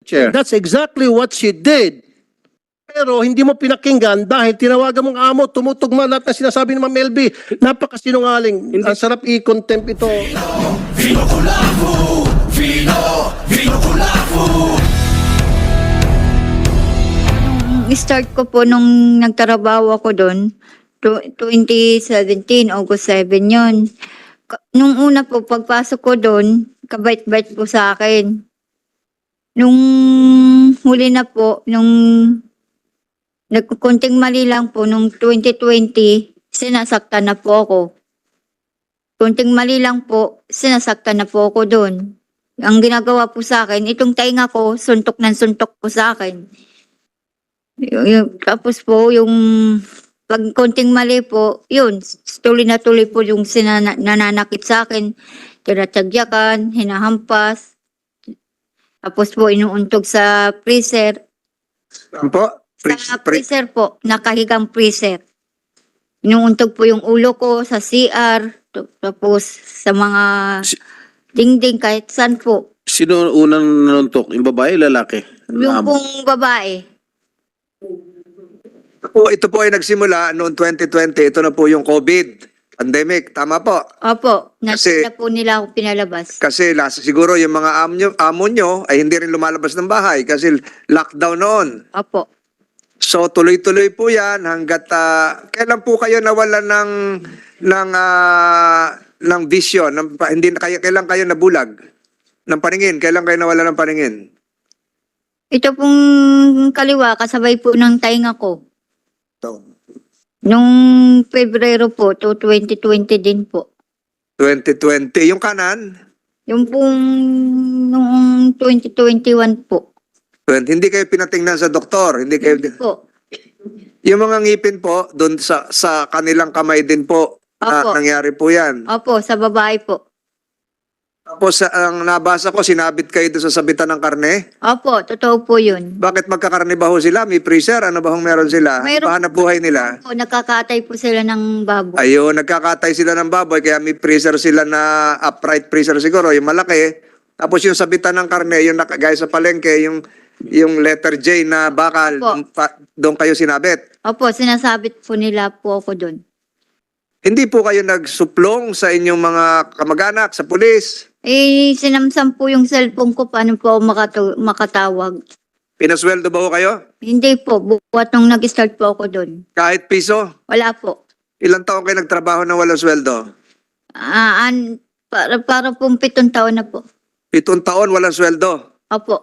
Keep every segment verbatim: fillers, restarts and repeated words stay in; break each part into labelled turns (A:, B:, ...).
A: Chair.
B: That's exactly what she did. Pero hindi mo pinakinggan dahil tinawagan mong amo, tumutugma lahat na sinasabi ni Ma'am L B. Napakasinungaling. Ang sarap i-contempt ito.
C: Start ko po nung nagtrabaho ako doon, twenty seventeen, August seven yun. Ka- Nung una po, pagpasok ko doon, kabait-bait po sa akin. Nung huli na po, nung nagkukunting mali lang po, nung twenty twenty, sinasaktan na po ako. Kunting mali lang po, sinasaktan na po ako doon. Ang ginagawa po sa akin, itong tainga ko, suntok ng suntok po sa akin. Yung, yung- tapos po, yung pag konting mali po, yun, tuloy na tuloy po yung sinana, nananakit sa akin. Tinatagyakan, hinahampas. Tapos po, inuuntog sa freezer.
A: Ano po? Pre-
C: Sa
A: pre-
C: freezer po, nakahigang freezer. Inuuntog po yung ulo ko sa C R, t- tapos sa mga
A: Si-
C: dingding, kahit saan po.
A: Sino unang nanuntok? Yung babae, lalaki?
C: Yung
A: Amo.
C: pong babae.
D: Po, ito po ay nagsimula noong twenty twenty. Ito na po yung COVID pandemic. Tama po.
C: Opo, na,
D: Kasi-
C: na po nila ako pinalabas.
D: Kasi last, siguro yung mga amo nyo, amo nyo ay hindi rin lumalabas ng bahay kasi lockdown noon.
C: Opo.
D: So tuloy-tuloy po yan hanggat ah, kailan po kayo nawalan ng ng ah, ng vision, ng, pa- hindi na kayo kailan kayo nabulag ng paningin, kailan kayo nawalan ng paningin?
C: Ito pong kaliwa, kasabay po ng tainga ko.
D: So,
C: Nung Pebrero po, to twenty twenty din po.
D: twenty twenty. Yung kanan,
C: Yung pong noong twenty twenty-one po.
D: twenty, hindi kayo pinatingnan sa doktor, hindi kayo
C: Po.
D: yung mga ngipin po doon sa sa kanilang kamay din po na
C: Opo.
D: nangyari po 'yan.
C: Opo, sa babae po.
D: Tapos sa- ang nabasa ko sinabit kayo doon sa sabitan ng karne.
C: Opo, totoo po yun.
D: Bakit magkakarne ba ho sila? May freezer? Ano ba hong meron sila?
C: Mayroon-
D: Pahanap buhay nila?
C: Po, nakakatay po sila ng baboy.
D: Ayun, nagkakatay sila ng baboy kaya may freezer sila na upright freezer siguro, yung malaki. Tapos yung sabitan ng karne, yung naka- gaya sa palengke, yung yung letter J na bakal,
C: Opo.
D: pa- doon kayo sinabit.
C: Opo, sinasabit po nila po ako doon.
D: Hindi po kayo nagsuplong sa inyong mga kamag-anak, sa pulis.
C: Eh, sinamsam po yung cellphone ko, paano po ako makatu- makatawag?
D: Pinasweldo ba ho kayo?
C: Hindi po, buwat nung nag-start po ako doon.
D: Kahit piso?
C: Wala po.
D: Ilang taon kayo nagtrabaho na walang sweldo?
C: Ah, an, para, para pong pitong taon na po.
D: Pitong taon walang sweldo.
C: Opo.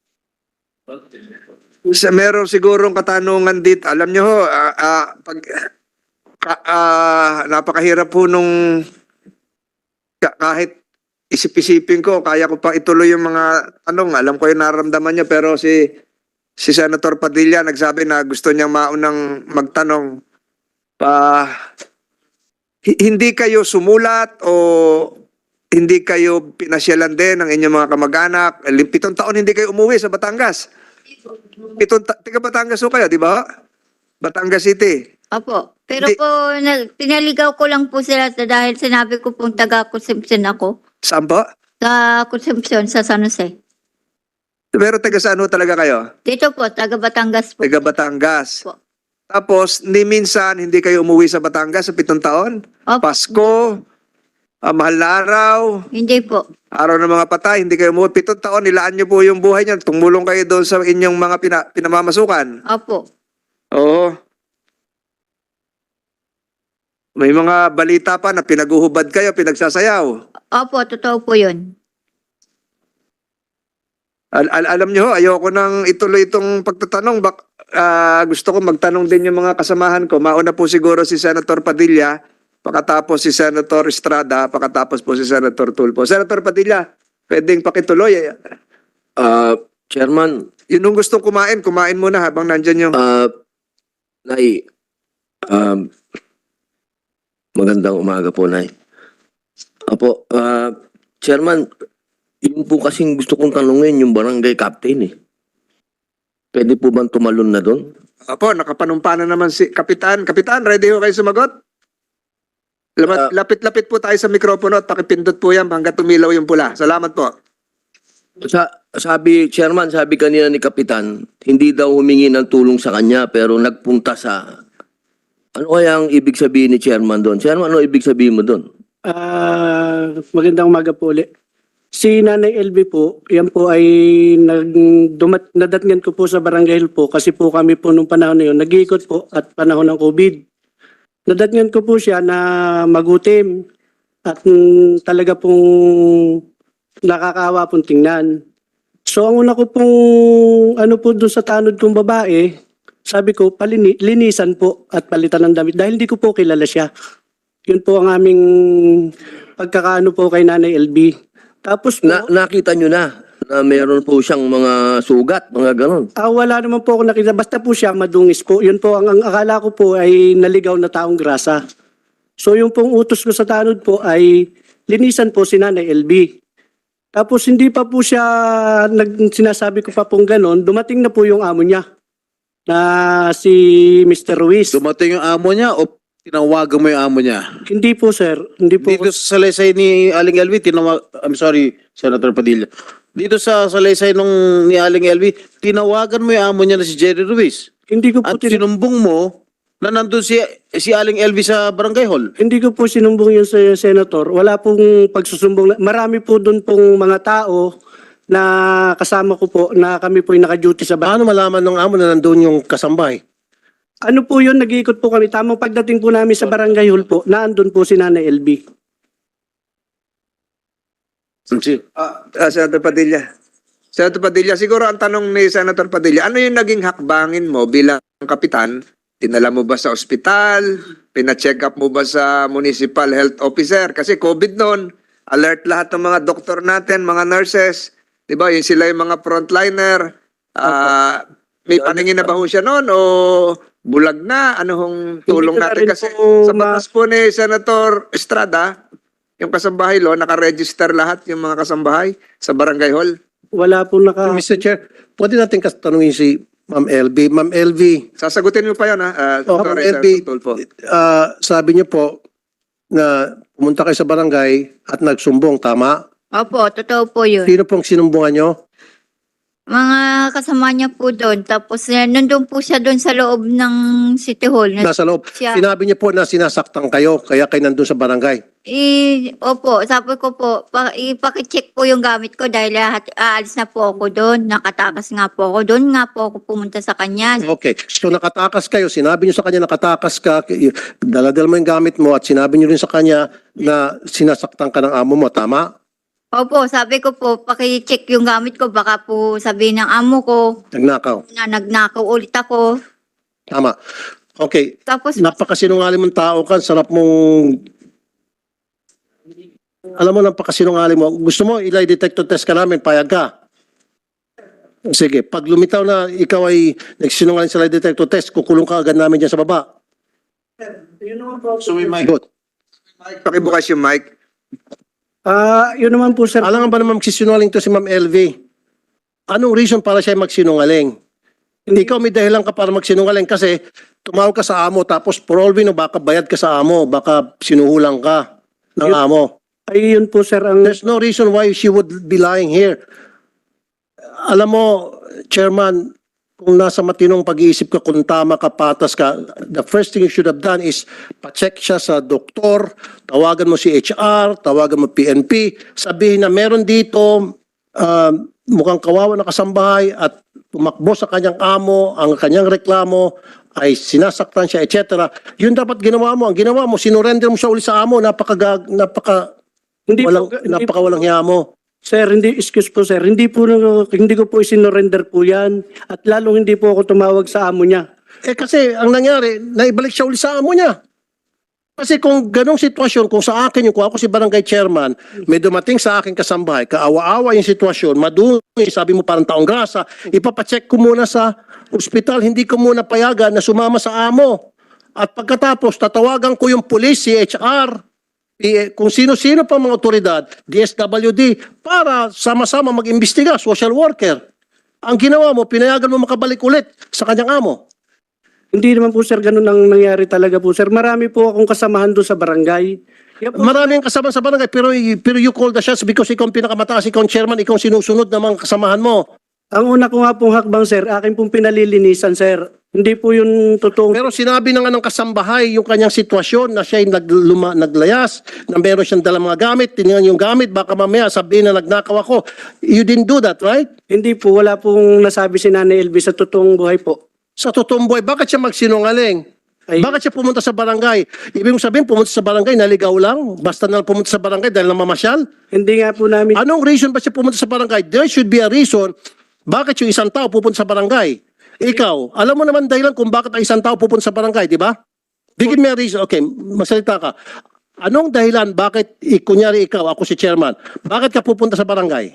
D: Sa meron sigurong katanungan dito. Alam nyo ho, ah, ah, pag, ka- ah, napakahirap po nung ka- kahit isip-isipin ko, kaya ko pa ituloy yung mga tanong. Alam ko yung nararamdaman niya, pero si si Senator Padilla nagsabi na gusto niya maunang magtanong. Pa, hi- hindi kayo sumulat o hindi kayo pinasyalan din ng inyong mga kamag-anak? Pitong taon hindi kayo umuwi sa Batangas. Pitong ta- tiga Batangas ho kayo, di ba? Batangas City.
C: Opo. Pero
D: Hindi-
C: po, na, pinaligaw ko lang po sila sa- dahil sinabi ko pong taga-consumption ako.
D: Saan po?
C: Sa consumption sa San Jose.
D: Pero taga saan ho talaga kayo?
C: Dito po, taga-Batangas po.
D: Taga Batangas.
C: Po.
D: Tapos, ni minsan, hindi kayo umuwi sa Batangas sa pitong taon?
C: Opo.
D: Pasko, ah, mahal na araw,
C: Hindi po.
D: araw ng mga patay, hindi kayo umuwi. Pitong taon, nilaan niyo po yung buhay niyo. Tumulong kayo doon sa inyong mga pina, pinamamasukan.
C: Opo.
D: Oo. May mga balita pa na pinaguhubad kayo, pinagsasayaw.
C: Opo, totoo po yun.
D: Al- al- alam niyo ho, ayoko nang ituloy itong pagtatanong. Bak ah, gusto ko magtanong din yung mga kasamahan ko. Mauna po siguro si Senator Padilla, pakatapos si Senator Estrada, pakatapos po si Senator Tulfo. Senator Padilla, pwedeng pakituloy.
E: Ah, Chairman,
D: Yun yung gustong kumain, kumain muna habang nandyan yung...
E: ah, Nay, um, magandang umaga po, Nay. Apo, ah, Chairman, yun po kasing gusto kong tanungin yung barangay captain eh. Pwede po bang tumalon na doon?
D: Apo, nakapanumpa na naman si Kapitan. Kapitan, ready ho kayo sumagot? Lamat-
E: Ah.
D: Lapit-lapit po tayo sa mikropono at pakipindot po yan hanggang tumilaw yung pula. Salamat po.
E: Sa, sabi, Chairman, sabi kanina ni Kapitan, hindi daw humingi ng tulong sa kanya pero nagpunta sa... Ano kaya ang ibig sabihin ni Chairman doon? Chairman, ano ibig sabihin mo doon?
F: Ah, magandang umaga po ulit. Si Nanay L B po, yan po ay nag, dumat, nadatngan ko po sa Barangay Hill po kasi po kami po nung panahon na yun, nag-iikot po at panahon ng COVID. Nadatngan ko po siya na magutim at mm, talaga pong nakakaawa pong tingnan. So ang una ko pong ano po doon sa tanod kong babae, sabi ko palini, linisan po at palitan ng damit dahil hindi ko po kilala siya. Yun po ang aming pagkakaano po kay Nanay L B. Tapos po,
E: Na, nakita nyo na na meron po siyang mga sugat, mga ganon.
F: ah, wala naman po ako nakita. Basta po siya madungis po. Yun po, ang, ang akala ko po ay naligaw na taong grasa. So yung pong utos ko sa tanod po ay linisan po si Nanay L B. Tapos hindi pa po siya, nag, sinasabi ko pa pong ganon, dumating na po yung amo niya na si Mister Ruiz.
A: Dumating yung amo niya o tinawagan mo yung amo niya?
F: Hindi po sir, hindi po.
A: Dito sa salaysay ni Aling L V, tinawag, I'm sorry, Senator Padilla. Dito sa salaysay nung ni Aling L V, tinawagan mo yung amo niya na si Jerry Ruiz.
F: Hindi ko po
A: At
F: tin-
A: sinumbong mo na nandun si, si Aling L V sa barangay hall.
F: Hindi ko po sinumbong yun sa senator. Wala pong pagsusumbong. Marami po doon pong mga tao na kasama ko po na kami po yung naka-duty sa bahay.
B: Paano malaman ng amo na nandun yung kasambahay?
F: Ano po yun, nag-iikot po kami. Tamang pagdating po namin sa barangay hall po, naandun po si Nanay L B.
D: Ah, ah, Senator Padilla. Senator Padilla, siguro ang tanong ni Senator Padilla, ano yung naging hakbangin mo bilang kapitan? Dinala mo ba sa ospital? Pina-check up mo ba sa municipal health officer? Kasi COVID noon, alert lahat ng mga doktor natin, mga nurses. Di ba? Yung sila yung mga frontliner. Ah, may paningin na ba ho siya noon o bulag na? Ano hong tulong
F: Hindi ko na
D: natin?
F: rin
D: Kasi
F: po
D: sa
F: ma-
D: batas po ni Senator Estrada, yung kasambahay lo, nakaregister lahat yung mga kasambahay sa barangay hall.
F: Wala po naka...
B: Mister Chair, pwede natin kas- tanungin si Ma'am L B. Ma'am L B,
D: Sasagutin mo pa yun, ha? Uh,
B: Oh,
D: sorry,
B: Ma'am L B,
D: Sir Tulfo.
B: ah, sabi niyo po na pumunta kayo sa barangay at nagsumbong, tama?
C: Opo, totoo po yun.
B: Sino pong sinumbungan niyo?
C: Mga kasama niya po doon. Tapos eh, nandun po siya doon sa loob ng City Hall. Na,
B: Nasa loob.
C: siya.
B: Sinabi niyo po na sinasaktan kayo, kaya kayo nandun sa barangay.
C: I, opo, sabi ko po, pa, ipakicheck po yung gamit ko dahil lahat, aalis na po ako doon. Nakatakas nga po ako doon. Nga po ako pumunta sa kanya.
B: Okay. So nakatakas kayo, sinabi niyo sa kanya nakatakas ka, k- daladal mo yung gamit mo at sinabi niyo rin sa kanya na sinasaktan ka ng amo mo, tama?
C: Opo, sabi ko po, pakicheck yung gamit ko. Baka po sabihin ng amo ko
B: Nagnakaw.
C: na nagnakaw ulit ako.
B: Tama. Okay.
C: Tapos,
B: Napakasinungaling mong tao ka, sarap mong... Alam mo, napakasinungaling mo. Gusto mo, ilay detector test ka namin, payag ka. Sige, pag lumitaw na ikaw ay nagsinungaling sa lie detector test, kukulong ka agad namin dyan sa baba.
A: So may mic.
B: Good.
D: Mike, pakibukas yung mic.
F: Ah, yun naman po sir.
B: Alam nga ba naman magsisinungaling to si Ma'am L V? Anong reason para siya magsinungaling? Hindi ikaw may dahilan ka para magsinungaling kasi tumawag ka sa amo tapos for all we know, baka bayad ka sa amo, baka sinuhulang ka ng
F: Yun-
B: amo.
F: Ay, yun po sir ang...
B: There's no reason why she would be lying here. Alam mo, Chairman, kung nasa matinong pag-iisip ka, kung tama ka, patas ka, the first thing you should have done is pa-check siya sa doktor, tawagan mo si H R, tawagan mo P N P, sabihin na meron dito um, mukhang kawawa na kasambahay at tumakbo sa kanyang amo, ang kanyang reklamo ay sinasaktan siya, et cetera. Yun dapat ginawa mo. Ang ginawa mo, sinurrender mo siya uli sa amo, napaka, napaka,
F: Hindi
B: walang,
F: po, hindi
B: napaka walang hiya mo.
F: Sir, hindi, excuse po sir, hindi po, hindi ko po isinorender po yan. At lalong hindi po ako tumawag sa amo niya.
B: Eh kasi ang nangyari, naibalik siya uli sa amo niya. Kasi kung ganong sitwasyon, kung sa akin yung kung ako si barangay chairman, may dumating sa akin kasambahay, kaawa-awa yung sitwasyon, madungi, sabi mo parang taong grasa, ipapacheck ko muna sa ospital, hindi ko muna payagan na sumama sa amo. At pagkatapos, tatawagan ko yung police, si H R, eh, kung sino-sino pa mga otoridad, D S W D, para sama-sama mag-imbestiga, social worker. Ang ginawa mo, pinayagan mo makabalik ulit sa kanyang amo.
F: Hindi naman po sir, ganun ang nangyari talaga po sir. Marami po akong kasamahan doon sa barangay. Yan po,
B: Maraming kasama sa barangay, pero, pero you call the shots because ikaw ang pinakamataas, ikaw ang chairman, ikaw ang sinusunod ng mga kasamahan mo.
F: ang una ko nga pong hakbang, sir, akin pong pinalilinisan, sir. Hindi po yung totoong...
B: Pero sinabi na nga ng kasambahay yung kanyang sitwasyon na siya ay nagluma, naglayas, na meron siyang dalang mga gamit, tinignan yung gamit, baka mamaya sabihin na nagnakaw ako. You didn't do that, right?
F: Hindi po, wala pong nasabi si Nanay L V sa totoong buhay po.
B: Sa totoong buhay, bakit siya magsinungaling?
F: Ay,
B: Bakit siya pumunta sa barangay? Ibig mong sabihin, pumunta sa barangay, naligaw lang? Basta na lang pumunta sa barangay dahil namamasyal?
F: hindi nga po namin...
B: Anong reason ba siya pumunta sa barangay? There should be a reason bakit yung isang tao pupunta sa barangay. Ikaw, alam mo naman dahilan kung bakit ang isang tao pupunta sa barangay, di ba? Bigyan me a reason. Okay, masalita ka. Anong dahilan bakit, i- kunyari ikaw, ako si chairman, bakit ka pupunta sa barangay?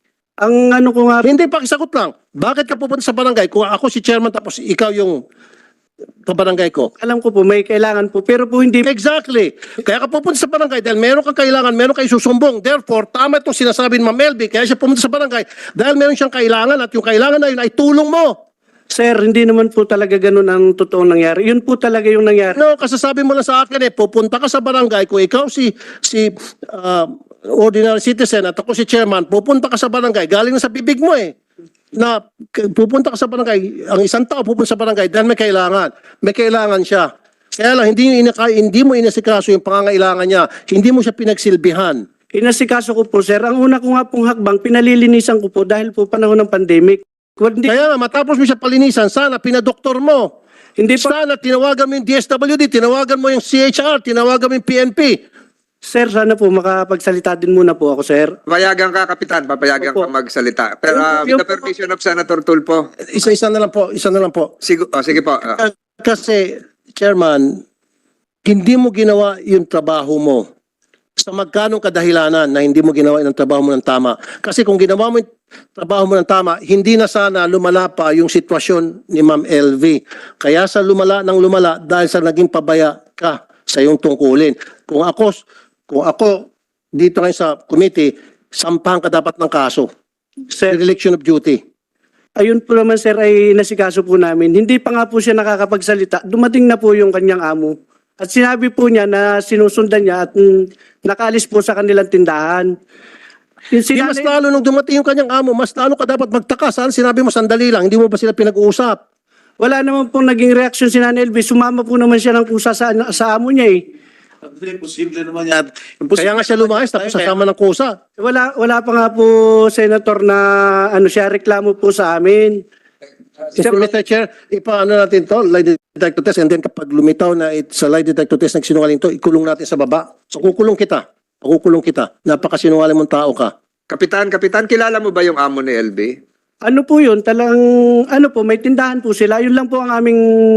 F: Ang ano ko nga...
B: Hindi, pakisagot lang. Bakit ka pupunta sa barangay kung ako si chairman tapos ikaw yung kabarangay ko?
F: Alam ko po, may kailangan po. Pero po hindi...
B: Exactly. Kaya ka pupunta sa barangay dahil meron kang kailangan, meron kang isusumbong. Therefore, tama itong sinasabi ni Ma'am Melby, kaya siya pumunta sa barangay dahil meron siyang kailangan at yung kailangan na yun ay tulong mo.
F: Sir, hindi naman po talaga ganun ang totoong nangyari. Yun po talaga yung nangyari.
B: No, kasasabi mo lang sa akin eh, pupunta ka sa barangay, kung ikaw si, si ah, ordinary citizen at ako si chairman, pupunta ka sa barangay, galing na sa bibig mo eh. Na k- pupunta ka sa barangay, ang isang tao pupunta sa barangay dahil may kailangan. May kailangan siya. Kaya lang, hindi, inaka, hindi mo inasikaso yung pangangailangan niya. Hindi mo siya pinagsilbihan.
F: Inasikaso ko po, sir. Ang una ko nga pong hakbang, pinalilinisan ko po dahil po panahon ng pandemic. Hindi,
B: Kaya nga, matapos mo siya palinisan, sana pinadoktor mo.
F: hindi po,
B: Sana tinawagan mo yung D S W D, tinawagan mo yung C H R, tinawagan mo yung P N P.
F: sir, sana po makapagsalita din muna po ako, sir.
D: Papayagan ka, Kapitan. Papayagan
F: Opo.
D: ka magsalita. Pero uh, with
F: Yung-
D: the permission of Senator Tulfo.
B: Isa-isa na lang po, isa na lang po.
D: Sigo, oh, sige po. ah.
B: Kasi, Chairman, hindi mo ginawa yung trabaho mo. Sa magkanong kadahilanan na hindi mo ginawa yung trabaho mo ng tama. Kasi kung ginawa mo yung trabaho mo ng tama, hindi na sana lumala pa yung sitwasyon ni Ma'am L V. Kaya sa lumala ng lumala dahil sa naging pabaya ka sa iyong tungkulin. Kung ako, kung ako dito ngayon sa committee, sampahan ka dapat ng kaso.
F: Sir,
B: Dereliction of duty.
F: ayun po naman, sir, ay nasikaso po namin. Hindi pa nga po siya nakakapagsalita. Dumating na po yung kanyang amo. At sinabi po niya na sinusundan niya at mm, nakaalis po sa kanilang tindahan. Yung
B: Di mas
F: sinanay-
B: lalo nung dumating yung kanyang amo, mas lalo ka dapat magtaka. Saan sinabi mo sandali lang, hindi mo ba sila pinag-uusap?
F: Wala naman pong naging reaksyon si Nanay Elvis. Sumama po naman siya ng kusa sa, sa amo niya eh.
A: Imposible naman yan.
B: Kaya nga siya lumayas tapos sasama ng kusa.
F: Wala, wala pa nga po, Senator, na ano siya, reklamo po sa amin.
B: Mister Mister Chair, ipaano natin to, lie detector test, and then kapag lumitaw na it, sa lie detector test nagsinungaling to, ikulong natin sa baba. So kukulong kita. Pakukulong kita. Napakasinungaling mong tao ka.
D: Kapitan, Kapitan, kilala mo ba yung amo ni L B?
F: Ano po yun? Talang, ano po, may tindahan po sila. Yun lang po ang aming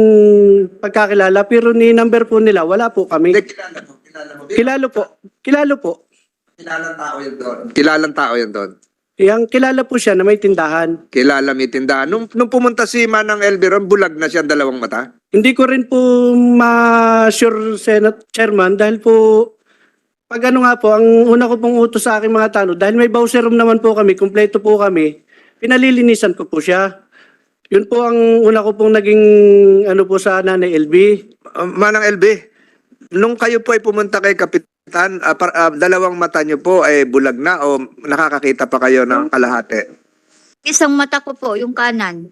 F: pagkakilala. Pero ni number po nila, wala po kami.
D: Hindi, kilala mo. Kilala mo.
F: Kilalo po. Kilalo po.
D: Kilalang tao yun doon. Kilalang tao yun doon.
F: Yang kilala po siya na may tindahan.
D: Kilala may tindahan. Nung, nung pumunta si Manang L B ron, bulag na siya ang dalawang mata.
F: Hindi ko rin po ma-sure, Senate Chairman, dahil po, pag ano nga po, ang una ko pong utos sa aking mga tanong, dahil may bowser room naman po kami, kumpleto po kami, pinalilinisan ko po siya. Yun po ang una ko pong naging, ano po sa Nanay L B.
D: Uh, Manang L B, nung kayo po ay pumunta kay Kapitan, ah, par- ah, dalawang mata niyo po ay bulag na o nakakakita pa kayo ng kalahati?
C: Isang mata ko po, yung kanan.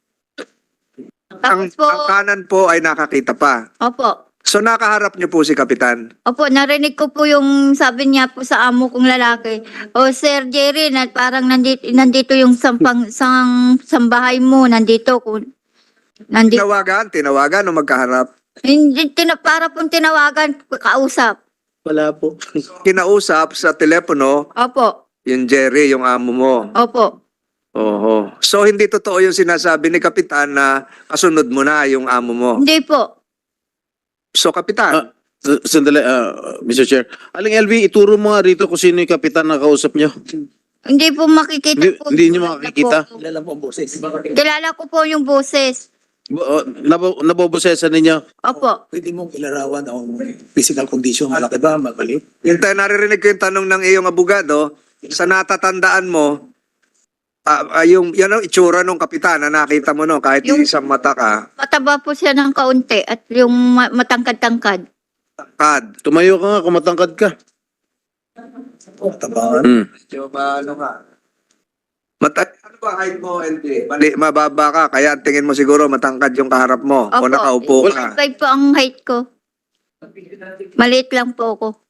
D: Ang,
C: Tapos po,
D: ang kanan po ay nakakita pa.
C: opo.
D: So nakaharap niyo po si Kapitan.
C: Opo, narinig ko po yung sabi niya po sa amo kong lalaki. O Sir Jerry, na parang nandito, nandito yung sampang, sang, sambahay mo, nandito. Kung, nandito.
D: Tinawagan, tinawagan o magkaharap.
C: Hindi, tina, para pong tinawagan, kausap.
F: Wala po.
D: Kinausap sa telepono
C: Opo,
D: yung Jerry, yung amo mo.
C: opo.
D: Oho. So hindi totoo yung sinasabi ni Kapitan na kasunod mo na yung amo mo.
C: Hindi po.
D: So Kapitan,
A: Ah, s- Sandali, ah, Mister Chair. Aling L V, ituro mo nga rito kung sino yung kapitan na kausap nyo.
C: Hindi po makikita
A: Hindi-
C: po.
A: hindi niyo makikita?
C: Po. Kilala ko po yung boses.
A: Bo- oh, nabo, nabobosesan ninyo.
C: Opo.
G: Pwede mong ilarawan ang physical condition, malaki ba, mabalik?
D: yung tayo naririnig ko yung tanong ng iyong abogado, sa natatandaan mo, ah, ah, yung yan ang itsura ng kapitan na nakita mo no, kahit
C: Yung-
D: isang mata ka.
C: Mataba po siya ng kaunti at yung ma- matangkad-tangkad.
D: Tangkad.
A: Tumayo ka nga kung matangkad ka.
G: Tabangan.
A: Mm.
D: Medyo maano ka. Mata ano ba height mo, L J? Mali, mababa ka, kaya ang tingin mo siguro matangkad yung kaharap mo o
C: Opo.
D: nakaupo ka.
C: five po ang height ko. Maliit lang po ako.